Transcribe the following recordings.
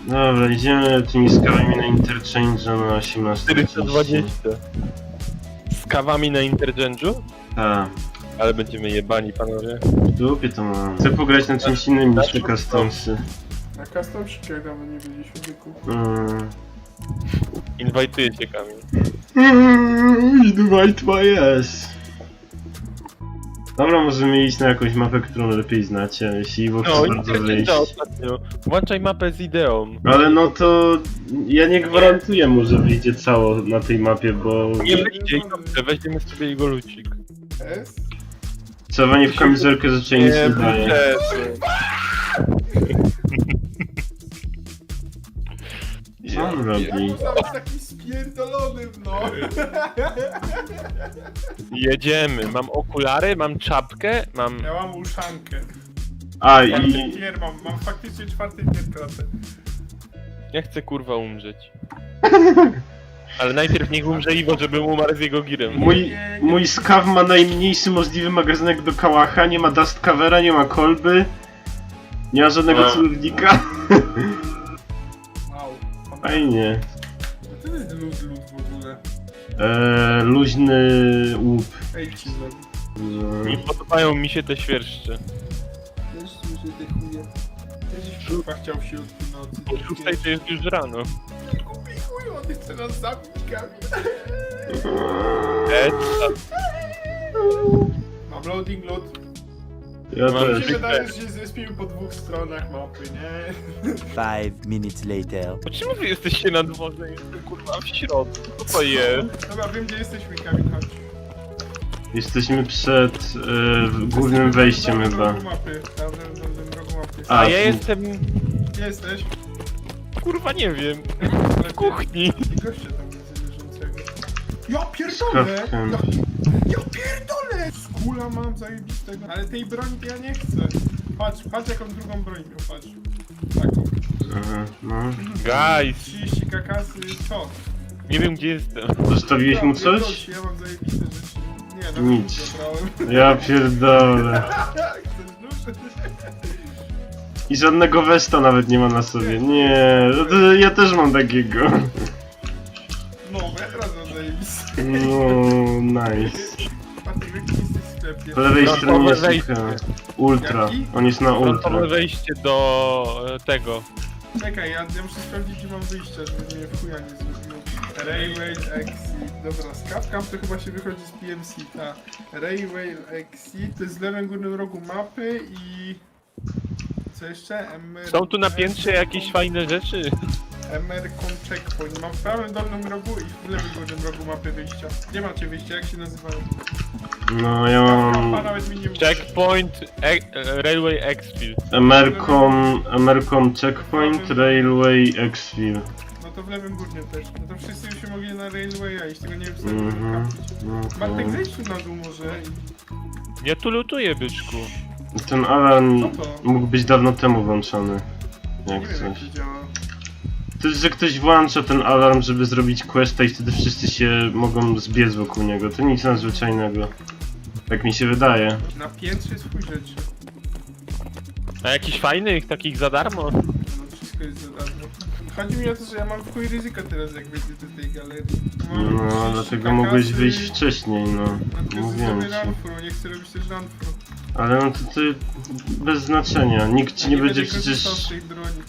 Dobra, idziemy tymi skałami na interchange na 18. 420. Z kawami na interchange'u? Tak. Ale będziemy jebani, panowie. W dupie to mam. Chcę pograć na czymś innym niż te customsy. Na customsiki dawno nie byliśmy wieku. Inwajtuję cię, Kamil. Invite my ass. Dobra, możemy iść na jakąś mapę, którą lepiej znacie, jeśli Iwo chce No, bardzo wyjść. ostatnio. Włączaj mapę z ideą. Ale no to... ja nie gwarantuję mu, że wyjdzie cało na tej mapie, bo... Nie wyjdzie i dobrze, weźmiemy sobie jego lucik. S? Celowanie w kamizelkę zaczęli nic nie daje. Co on robi? Jak można być taki spierdolonym, no? Jedziemy. Mam okulary, mam czapkę, mam... Ja mam uszankę. A Czwarty i... tier mam faktycznie czwarty tier klasy. Ja chcę kurwa umrzeć. Ale najpierw niech umrze Iwo, żebym umarł z jego girem. Mój skaw ma najmniejszy możliwy magazynek do kałacha, nie ma dust covera, nie ma kolby. Nie ma żadnego celownika. Au. Fajnie. Co to jest lód w ogóle? Luźny łup. Ej, ci zrobi. Nie podobają mi się te świerszcze. Też słyszę te chuje. Kiedyś kurwa chciał w środku nocy. Po 6 to jest już rano. Kupi chuj, on chce nas zabić, Kamil. Mam loading load. Ja Mam Mi też. się wydaje, że się zrespił po dwóch stronach mapy, nie? 5 minutes later. Czemu wy jesteście na dworze? Jestem kurwa w środku. Co to jest? Dobra, wiem gdzie jesteśmy, Kamil, chodź. Jesteśmy przed głównym wejściem Na chyba. rogu mapy, tam na rogu mapy. A, A ja jestem... Gdzie jesteś? Kurwa nie wiem. W kuchni. I gościa tam widzę leżącego. Ja pierdolę! Skawkiem. Ja pierdolę! Skula mam zajebistego. Ale tej broni to ja nie chcę. Patrz jaką drugą broń miał, patrz. Taką. Aha, no. Guys. 30 kakasy, co? Nie wiem gdzie jestem. Zostawiłeś mu Pierdol coś? się, ja mam zajebiste rzeczy. Nie, no Nic. zabrałem. Ja pierdolę. Chcesz nóż? I żadnego westa nawet nie ma na sobie. Nie, to ja też mam takiego. No, bo ja teraz mam zajebiste. No, nice. Patryk, jaki jesteś w sklepie? Po lewej No, stronie jest wejście. taka ultra. Jaki? On jest na ultra. Frontowe wejście do tego. Czekaj, ja muszę sprawdzić gdzie mam wyjście, żeby mnie w chuja nie zrobiło. Railway Exit. Dobra, skawkam to chyba się wychodzi z PMC, ta. Railway Exit, to jest w lewym górnym rogu mapy i... Co jeszcze? Są tu na piętrze jakieś fajne rzeczy? Emercon Checkpoint. Mam w prawym dolnym rogu i w lewym górnym rogu mapy wyjścia. Gdzie macie wyjście? Jak się nazywają? No ja Skawka, mam nawet mi nie mówi. Checkpoint, Railway Exfil. Emercom Checkpoint, Railway Exfil. No to w lewym górnym też. No to wszyscy już się mogli na Railwaya iść, tego nie wiem co Mhm. mm No Bartek to... zejdź tu na dół może i... Ja tu lutuję, byczku. Ten alarm Co to? mógł być dawno temu włączony. Nie Jak wiem jak coś. to działa. To jest, że ktoś włącza ten alarm, żeby zrobić questa i wtedy wszyscy się mogą zbiec wokół niego. To nic nadzwyczajnego. Tak mi się wydaje. Na piętrze jest chuj rzeczy. A jakichś fajnych, takich za darmo? No wszystko jest za darmo. Chodzi mi o to, że ja mam w chuj ryzyko teraz jak wejdę do tej galerii. Mam No, 30 dlatego mogłeś kakasy. wyjść wcześniej, no. No to Mówiłem zrobię ci. runfru, nie chcę robić też runfru. Ale no to ty bez znaczenia. Nikt ci nie będzie korzystał z przecież... tej broni.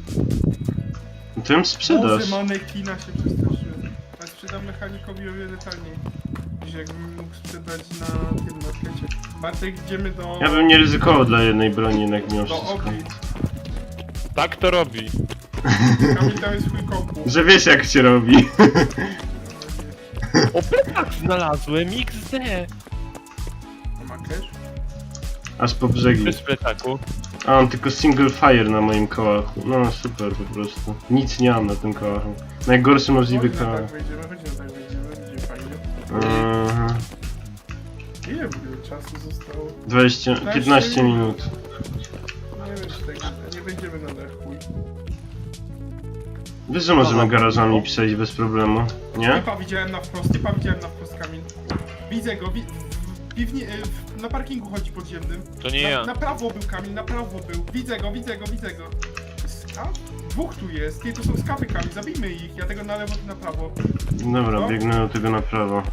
To ją sprzedasz. Boże, manekina się przestraszyłem. A sprzedam mechanikowi o wiele taniej. Niż jakbym mógł sprzedać na tym markecie. Bartek, idziemy do... Ja bym nie ryzykował dla jednej broni jednak mimo do wszystko. Ogrid. Tak to robi. Kamil, tam jest swój kompu. Że wiesz jak się robi. O, plecak znalazłem, XD! A ma cash? Aż po brzegi. Bez plecaku. A mam tylko single fire na moim kołachu. No super po prostu. Nic nie mam na tym kołachu. Najgorszy możliwy Chodź na kołach. tak wejdziemy, będzie fajnie. Aha. Ile w ogóle czasu zostało? 15 minut. Nie wiem, czy tak nie będziemy na dach, chuj. Wiesz, że możemy garażami przejść bez problemu, nie? Typa widziałem na wprost, Kamil. Widzę go, na parkingu chodzi podziemnym. To nie ja. Na prawo był Kamil, na prawo był. Widzę go. A? Dwóch tu jest. Nie, to są z kapykami. Zabijmy ich. Ja tego na lewo, ty na prawo. Dobra, No. biegnę do tego na prawo.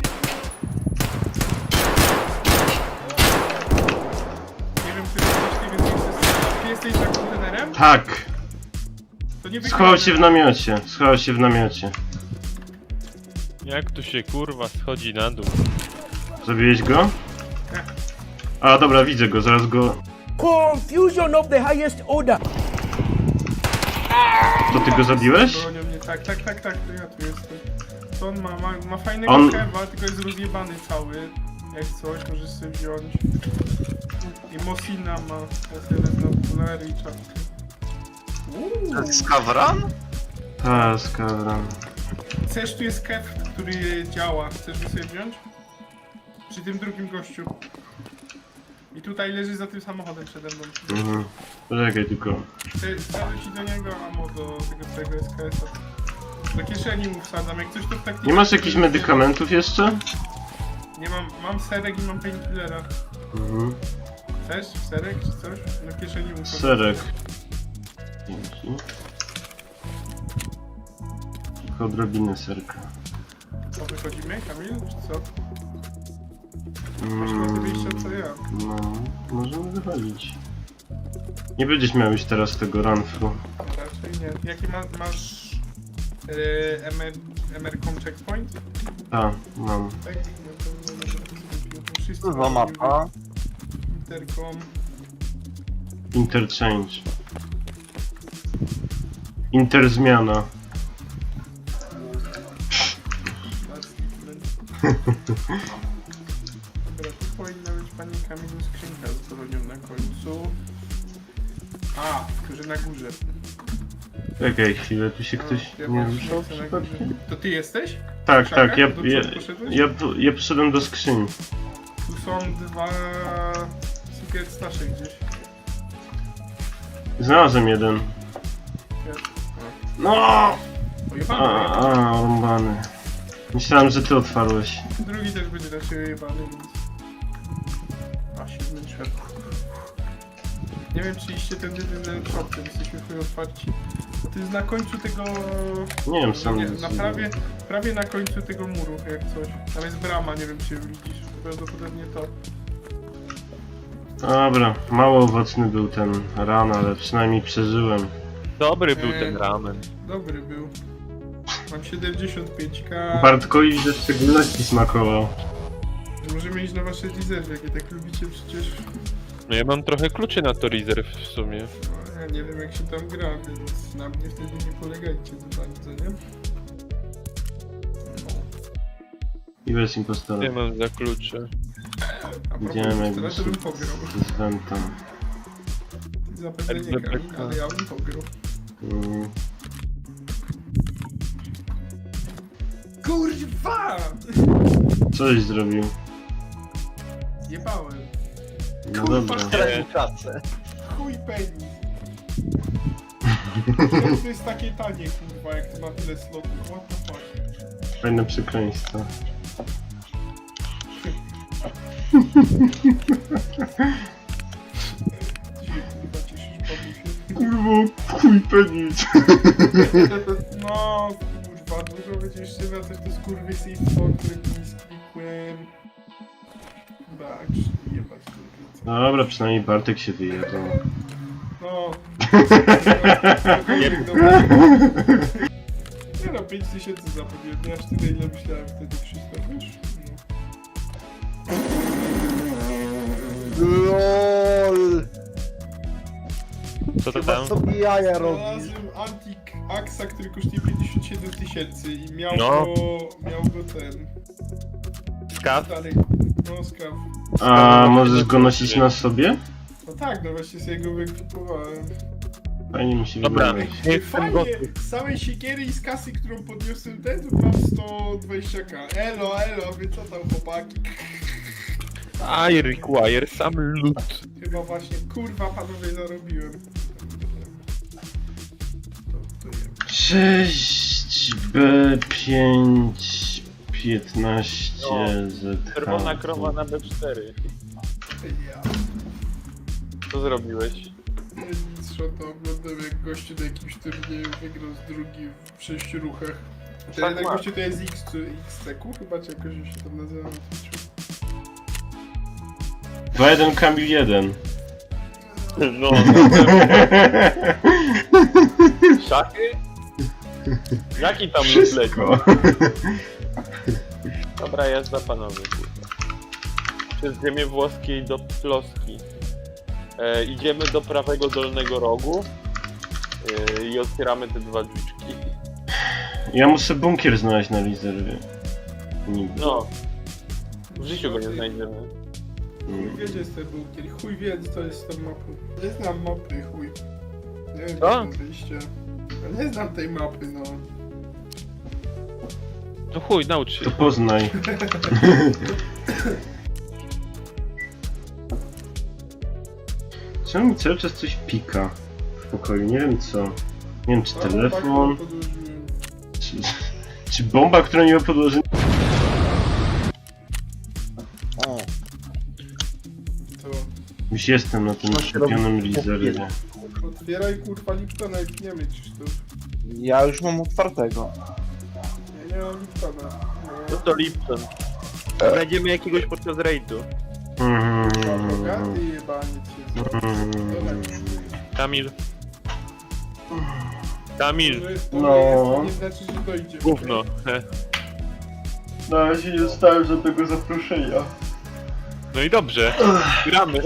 Nie wiem, czy jesteś, nie wiem, czy jesteś... Ty jesteś za kontenerem? Tak! To nie Schował się w namiocie. Schował się w namiocie. Jak tu się kurwa schodzi na dół? Zabiłeś go? A, dobra, widzę go, zaraz go... Confusion of the highest order. To ty go zabiłeś? Bronią mnie. Tak, to ja tu jestem. To on ma fajnego On- kewa, tylko jest rozjebany cały. Jak coś, możesz sobie wziąć. I Mosina ma. Ja sobie wezmę okulary i czapkę. Skawran? A, skawran. Chcesz, tu jest kew, który działa. Chcesz go sobie wziąć? Przy tym drugim gościu. I tutaj leży za tym samochodem przede mną. Mhm. Poczekaj tylko. Chcę ci do niego ammo do tego twojego SKS-a. Do kieszeni mu wsadzam, jak coś to w taktyce... Nie masz jakichś medykamentów jeszcze? Nie mam serek i mam painkillera. Mhm. Chcesz serek czy coś? Do kieszeni mu wsadzam. Serek. Dzięki. Tylko odrobinę serka. Co, wychodzimy, Kamil, czy co? Masz na wyjścia co ja. No, możemy wychodzić. Nie będziesz miał już teraz tego runthru. Raczej nie. Jaki masz... MR.com checkpoint? A, mam. Tak? No to wszyscy Co za mają mapa? Intercom. Interchange. Interzmiana. Dobra, tu powinna być pani Kamilu skrzynka z bronią na końcu. A, że na górze. Czekaj chwilę, tu się ktoś Ja nie mam ruszał skrzynkę na przypadkiem? górze. To ty jesteś? Tak, Krzakach? tak, ja, Do ja, przodu poszedłeś? ja poszedłem do skrzyni. Tu są dwa secret stasze gdzieś. Znalazłem jeden. No! Ojebany, Rąbany. Myślałem, że ty otwarłeś. drugi też będzie na siebie jebany, więc... A, 7 świat. Nie wiem, czy iście ten shop, ten jesteśmy chuj otwarci. Bo to jest na końcu tego... Nie wiem, sam Nie, nie na prawie na końcu tego muru, jak coś. Tam jest brama, nie wiem, czy ją widzisz. Prawdopodobnie to. Dobra, mało owocny był ten ran, ale przynajmniej przeżyłem. Dobry był ten ramen. Dobry był. Mam 75k. Bartkowi ze szczególności smakował. Możemy iść na wasze rezerwy, jakie tak lubicie przecież. No ja mam trochę kluczy na to rezerw w sumie. No, ja nie wiem jak się tam gra, więc na mnie wtedy nie polegajcie za bardzo, nie? No. I bez impostora. Ja mam za klucze. A propos Widziałem jak teraz to bym pograł. z Venta. Zapewne nie gram, ale ja bym pograł. Mm. Kurwa! Coś zrobił. Zjebałem. No dobra. Stracił pracę. Chuj penis. To jest takie tanie, kurwa, jak to ma tyle slotów. What the fuck? Fajne przekleństwo. Dzisiaj, kurwa, cieszysz babusie. Kurwa, chuj penis. No, kurwa, dużo będzie jeszcze wracać do skurwysyństwa, którym nie sklikłem. Tak, jebać kurwa. Dobra, przynajmniej Bartek się wyjechał. No. Nie no, 5000 zapewniłem, nie aż tyle ile myślałem wtedy wszystko, wiesz? LOL! Co to Chyba tam? sobie jaja No. robisz. Znalazłem Antik Axa, który kosztuje 57 000 i miał No. go ten... Skaw? Dalej, no skraw. A możesz go nosić na sobie? No tak, no właśnie sobie go wyekipowałem. Fajnie mi się Dobra. wydaje. Nie jestem Fajnie, gotów. z całej siekiery i z kasy, którą podniosłem ten, to mam 120k. Elo, elo, wy co tam chłopaki? I require some loot. Chyba właśnie, kurwa panowie zarobiłem. To jem. 6B5 15 ZH. Czerwona krowa na B4. Ja. Co zrobiłeś? Nic, screenshota, oglądam jak gościu na jakimś turnieju wygrał z drugim w 6 ruchach. Ten Tak jeden ma. gościu to jest XCQ chyba, czy jakoś się tam nazywa na Twitchu. 2-1 Kamil 1. No, szachy? Jaki tam lód leci? Wszystko. Dobra, jazda panowie. kurwa. Przez ziemię włoskiej do Ploski. Idziemy do prawego dolnego rogu i otwieramy te dwa drzwiczki. Ja muszę bunkier znaleźć na rezerwie. Nigdy. No. W życiu go nie znajdziemy. Chuj wie, gdzie jest ten bunkier, chuj wie, co jest tą mapą. Nie znam mapy, chuj. Nie wiem, Co? gdzie są wyjścia. Ja nie znam tej mapy, no. To chuj, naucz się. To poznaj. Czemu mi cały czas coś pika w pokoju? Nie wiem co. Nie wiem czy telefon, czy bomba, która nie ma podłożenia. O, To Już jestem na tym Co się robi? skupionym rezerwie. otwieraj kurwa Liptona i pniemy, Krzysztof. ja już mam otwartego. Ja nie mam Liptona. No to Lipton. Znajdziemy jakiegoś podczas rejdu. Bogaty jebaniec jest. Kamil. Kamil. No. Nie znaczy, że dojdzie. Gówno. No ja się nie dostałem żadnego zaproszenia. No i dobrze. Gramy.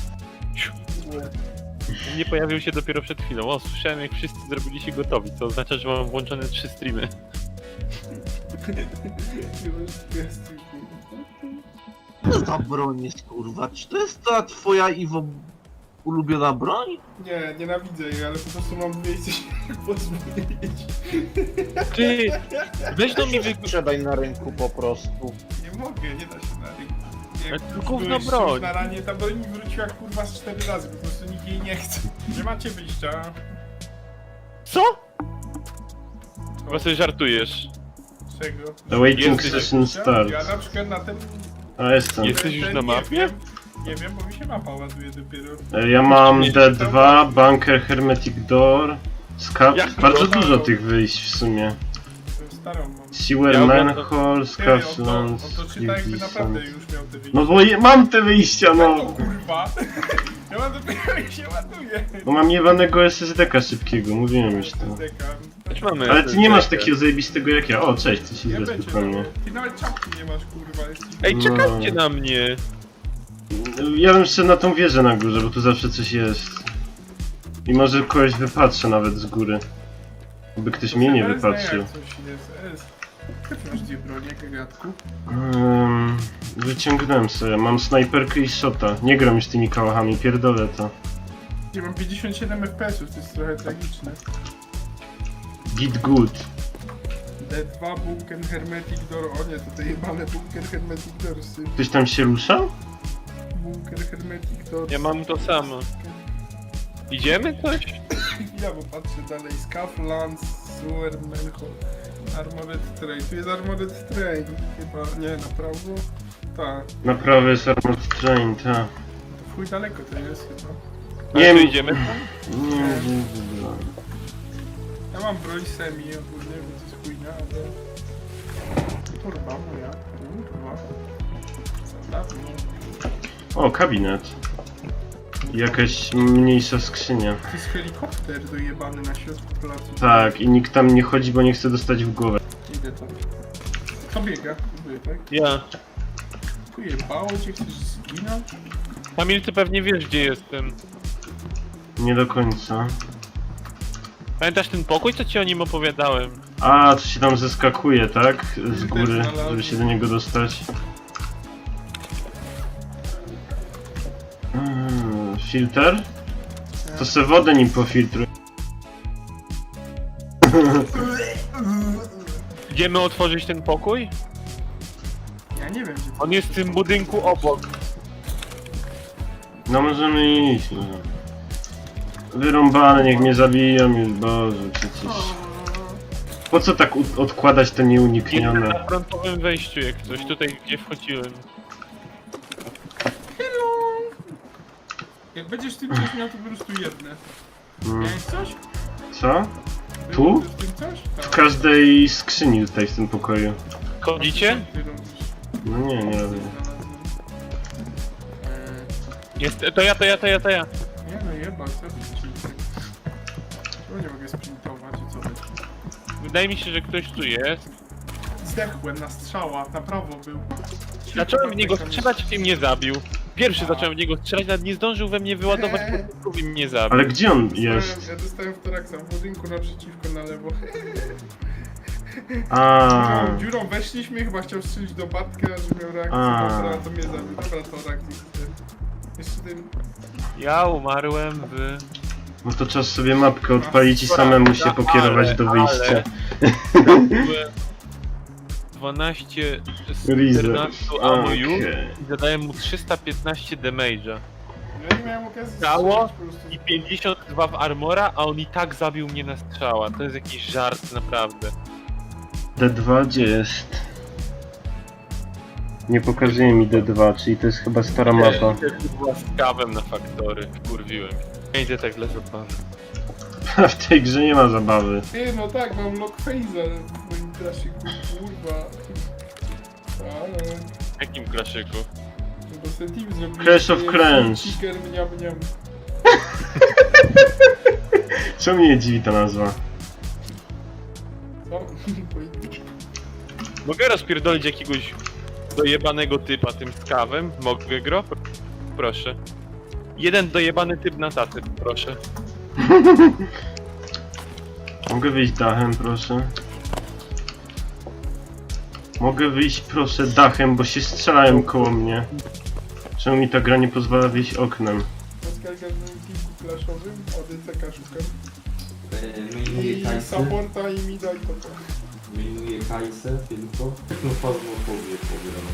Nie pojawił się dopiero przed chwilą. O, słyszałem jak wszyscy zrobili się gotowi, co oznacza, że mam włączone 3 streamy. Co za broń jest, kurwa? Czy to jest ta twoja, Iwo, ulubiona broń? Nie, nienawidzę jej, ale po prostu mam miejsce się pozwolić. Ty! Weź do mnie Sprzedaj na rynku po prostu. Nie mogę, nie da się na rynku. Ale to Jak gówno byłeś czymś broń. na ranie, ta broń mi wróciła kurwa z 4 razy, po prostu nikt jej nie chce. Nie macie wyjścia. Co? Chyba sobie żartujesz. Czego? Awaiting Jesteś- session start. Ja na przykład na tym... A jestem. Jesteś już na mapie? Nie wiem, bo mi się mapa ładuje dopiero. Ja mam D2, bunker, hermetic door, scap. Jak Bardzo to? dużo tych wyjść w sumie. Tę starą mam. Sewer, Ja mam- manhole, Ty, on scaplands, to czyta jakby naprawdę już miał te wyjścia. No bo mam te wyjścia, No no! kurwa! Ja mam dopiero jak się ładuje. Bo mam jebanego SSD-ka szybkiego, mówiłem już to. Też mamy. Ale ty nie masz takiego zajebistego jak ja. O, cześć, ty się Nie zresztą będzie, po mnie. Ty nawet czapki nie masz kurwa. Jest ci... Ej, czekajcie na mnie! Ja bym szedł na tą wieżę na górze, bo tu zawsze coś jest. I może kogoś wypatrzę nawet z góry. By ktoś mnie nie wypatrzył. Jak coś jest. Jak masz dwie bronie, gagatku? Wyciągnąłem sobie, mam snajperkę i shota. Nie gram już tymi kałachami, pierdolę to. Ja mam 57 FPS-ów, to jest trochę tragiczne. Git good. D2, bunker, hermetic door. O nie, to te jebane bunker, hermetic doorsy. Ktoś tam się rusza? Bunker, hermetic door. Ja mam to samo. Idziemy coś? Ja bo patrzę dalej. Scaflands, sewer, manhole. Armored train. Tu jest armored train. Chyba, nie, na prawo? Tak. Na prawo jest Armored Train, ta. To w chuj daleko to jest chyba. Nie Nie, wiem. idziemy tam? Nie, Ja mam broń semi ogólnie, więc jest chujnia, ale... Kurwa moja, kurwa. Co dawno. O, kabinet. I jakaś mniejsza skrzynia. To jest helikopter dojebany na środku placu. Tak, i nikt tam nie chodzi, bo nie chce dostać w głowę. Idę tam. Kto biega? Próbuję, tak? Ja. Pojebało cię, chcesz zginąć? Kamil, ty pewnie wiesz gdzie jestem. Nie do końca. Pamiętasz ten pokój, co ci o nim opowiadałem? A, to się tam zeskakuje, tak? Z góry, żeby się do niego dostać. Filter? To se wodę nim pofiltruj. Idziemy otworzyć ten pokój? Ja nie wiem, gdzie to On jest w tym budynku obok. No możemy iść, no. Wyrąbane, niech mnie zabiją już, Boże, przecież... Po co tak odkładać te Jestem nieuniknione? na frontowym wejściu jak coś, tutaj gdzie wchodziłem. Jak będziesz tym coś miał, to po prostu jedne. Miałeś coś? Co? Było Tu? w tym coś? W Tak. każdej skrzyni tutaj w tym pokoju. Chodzicie? Ty robisz. No nie robię. Jest, to ja. Nie no jeba, co ty ci? Czemu nie mogę sprintować i co chodzi? Wydaje mi się, że ktoś tu jest. Zdechłem na strzała, na prawo był. Zacząłem w niego strzelać i mnie zabił. Pierwszy zacząłem w niego strzelać, nawet nie zdążył we mnie wyładować pocisków i mnie zabił. Ale gdzie on jest? Ja dostałem w toraksa w budynku naprzeciwko na lewo. A, Dziurą weszliśmy, chyba chciał strzelić do Bartka, że miał reakcję, A. dobra, to mnie zabił. Dobra, torak. Jeszcze ten... Ja umarłem w... no to czas sobie mapkę odpalić i samemu się pokierować do wyjścia. Byłem 12 z Rize. 14 ammo już Okej. i zadałem mu 315 damage'a. Ja nie miałem okazji Stało strzelić po prostu. I 52 w armora, a on i tak zabił mnie na strzała. To jest jakiś żart, naprawdę. D2 gdzie jest? Nie pokazuje mi D2, czyli to jest chyba stara mapa. Też była z kawem na faktory, kurwiłem. Nie idzie tak dla zabawy. W tej grze nie ma zabawy. Ty, no tak, mam lock phase'a w moim klaszyku, kurwa. Ale... W jakim klaszyku? No bo ten team zrobił... Clash of Clans. Chicken, mniam, mniam. Co mnie dziwi ta nazwa? Co? Mogę rozpierdolić jakiegoś dojebanego typa tym skawem? Mogę gro? Proszę. Jeden dojebany typ na tacy, proszę. Mogę wyjść dachem, proszę? Mogę wyjść, proszę, dachem, bo się strzelają koło mnie. Czemu mi ta gra nie pozwala wyjść oknem? Oskarga w moim teamku clashowym, ODCK szukam. Mainuję I Kajsę, supporta i mida i topa. mainuję Kajsę tylko. Technofazmofobię pobieram.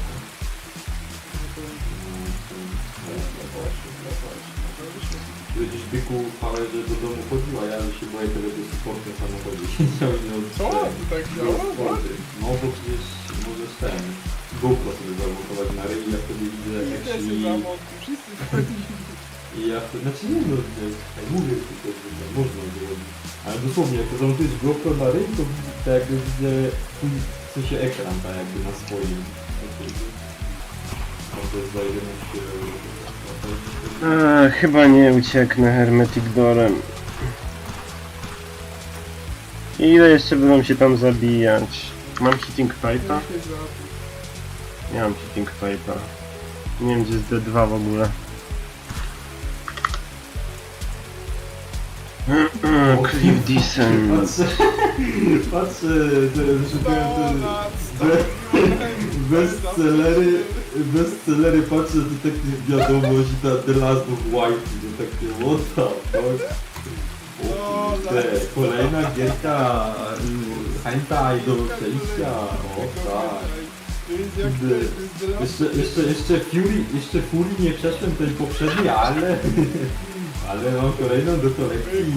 Będziesz byku że do domu chodził, a ja się boję tego, że supportem w samochodzie siedział i nie Co? To tak działa? No bo przecież możesz ten GoPro sobie zamontować na ryj i ja wtedy widzę jak Wszyscy się... zamontują, wszyscy wchodzili. I ja wtedy, znaczy nie no, jak mówię tylko, że to można zrobić. Ale dosłownie, jak to zamontujesz GoPro na ryj, to tak jakby widzę twój, w sensie ekran tak jakby na swoim. No to jest za 11 euro. Chyba nie ucieknę Hermetic Doorem. Ile jeszcze będą się tam zabijać? Mam hitting pipe'a? Nie mam hitting pipe'a. Nie wiem gdzie jest D2 w ogóle. Cliff Descent. Patrzę, teraz szukałem bestsellery, patrzę, to takie wiadomość i The Last of White, że takie what the fuck. O kurde, kolejna gierka hentai do przejścia, o tak. Jeszcze Fury nie przeszłem tej poprzedniej, ale mam kolejną do kolekcji.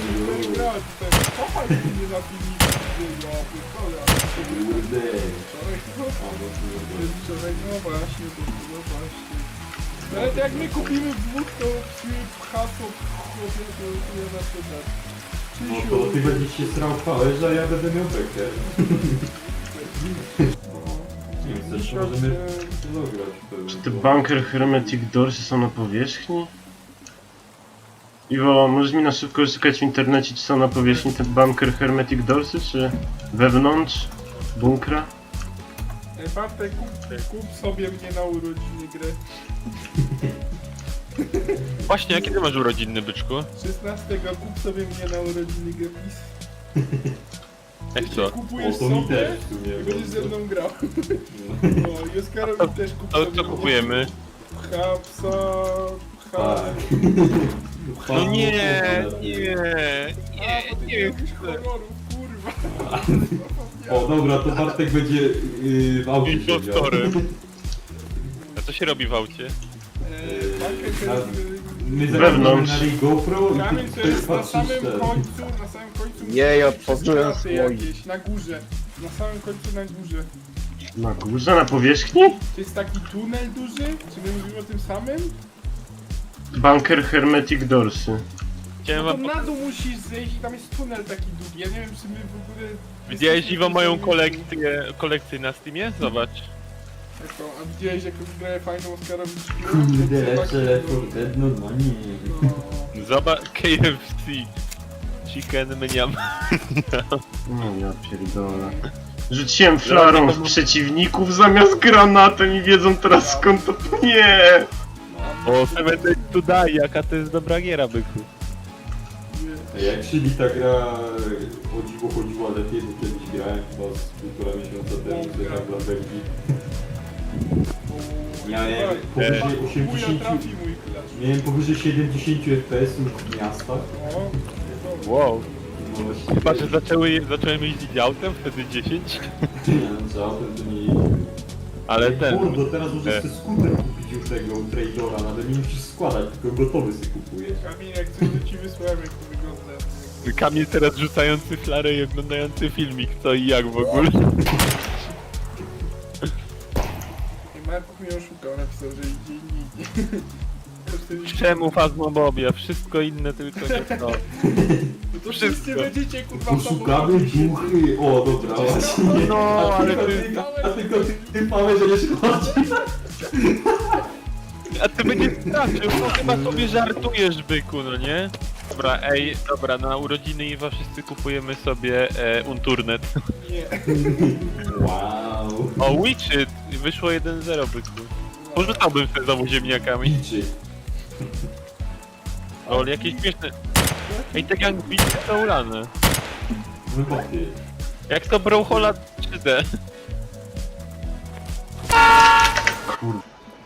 Kurde. Ale to jak my kupimy dwóch, to hasło nie na to dać. No to ty będziesz się srał w pałeż, a ja będę miał bekę. Nie wiem, też możemy zagrać. Czy te bunker Hermetic Doorsy są na powierzchni? Iwo, możesz mi na szybko szukać w internecie, czy są na powierzchni te bunker Hermetic Doorsy, czy wewnątrz bunkra? Bartek, kup sobie mnie na urodziny grę. Właśnie, a kiedy masz urodziny, byczku? 16 kup sobie mnie na urodziny grę, please. Jak co? Kupujesz O, to mi sobie też w sumie. i będziesz ze mną grał. No. No i Oskarowi też kup To sobie co mnie. kupujemy? Hapsa... Tak. No nie, A, bo ty nie nie lubisz chcę. horrorów, kurwa. O dobra, to Bartek będzie w aucie siedział. Impostorem. A co się robi w aucie? My Wewnątrz. zagramy na GoPro i Kamień ty to jest na patrzysz samym ten. końcu, na samym końcu... Nie, ja przez otworzyłem kraty swój. jakieś, na górze. Na samym końcu na górze. Na górze, na powierzchni? To jest taki tunel duży? Czy my mówimy o tym samym? Bunker Hermetic Doorsy. Chciałem No to wam... na dół musisz zejść i tam jest tunel taki długi. Ja nie wiem, czy my w ogóle... Widziałeś jesteśmy Iwo moją gotowi- kolekcję na Steamie? Zobacz. Jako, a widziałeś jaką grę fajną Oscarowi Kurde, lepsze Left 4 Dead, no nie. No. Zobacz KFC. Chicken mniam. No ja pierdolę. Rzuciłem flarą w przeciwników zamiast granatem i wiedzą teraz skąd to... Nie! O, Seven Days to Die, jaka to jest dobra giera, byku. Jak się mi ta gra chodziła lepiej, bo kiedyś grałem chyba z półtora miesiąca temu, że tak dla Belgii. Miałem powyżej 80, trafi mój klacz. miałem powyżej 70 FPS-ów w miastach. O, Wow. No właśnie, Chyba, że zacząłem jeździć autem, wtedy 10. nie wiem, czy autem to nie jeździłem. Ale ten... Kurde, teraz możesz sobie skuter kupić już tego Tradera, nawet nie musisz składać, tylko gotowy sobie kupujesz. Kamil, jak coś to ci wysłałem, jak to wygląda. Kamil teraz rzucający flarę i oglądający filmik, co i jak w ogóle. I Marków mnie oszukał, napisał, że idzie indziej. Czemu Fazmobobia? Wszystko inne, tylko nie to. To wszystko. wszyscy będziecie kurwa Poszukamy duchy! O, dobra, właśnie. No, ale ty... A tylko ty Paweł, że nie szkodzi. A ty będziesz stracił, no chyba sobie żartujesz, byku, no nie? Dobra, ej, dobra, na urodziny Iwa wszyscy kupujemy sobie Unturnet. Nie. Wow. O, Witchit! Wyszło 1-0, byku. Porzucałbym sobie znowu ziemniakami. Liczy. O, jakieś śmieszne... Ej, te gangbity są ulane. Wyboty. Jak to Brawlhalla 3D. Kur...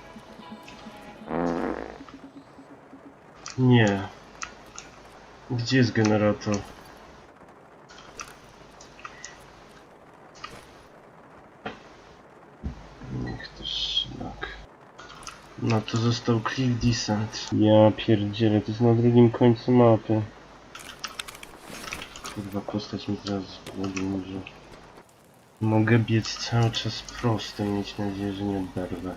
Nie. Gdzie jest generator? Niech to szlak. No to został Cliff Descent. Ja pierdzielę, to jest na drugim końcu mapy. Kurwa, postać mi teraz podłuży. Mogę biec cały czas prosto i mieć nadzieję, że nie oberwę.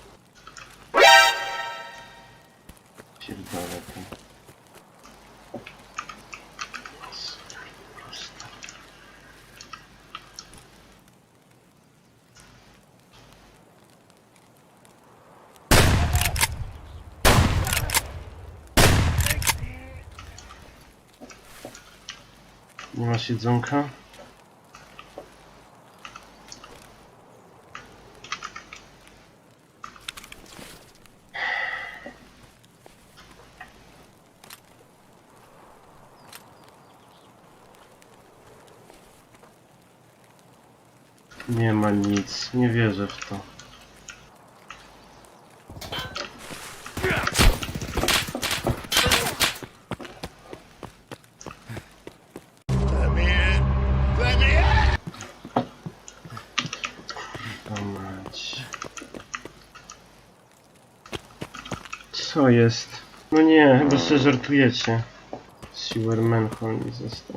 Pierdolę to. Prosto. Nie masz jedzonka? Nie ma nic, nie wierzę w to. Mać. Co jest? No nie, chyba sobie żartujecie. Sewer Manhole mi został.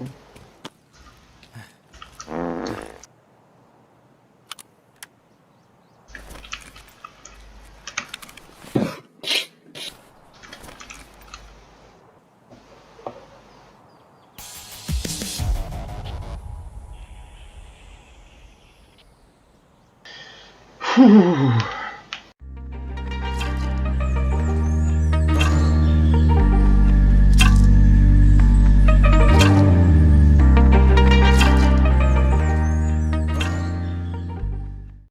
Fuh.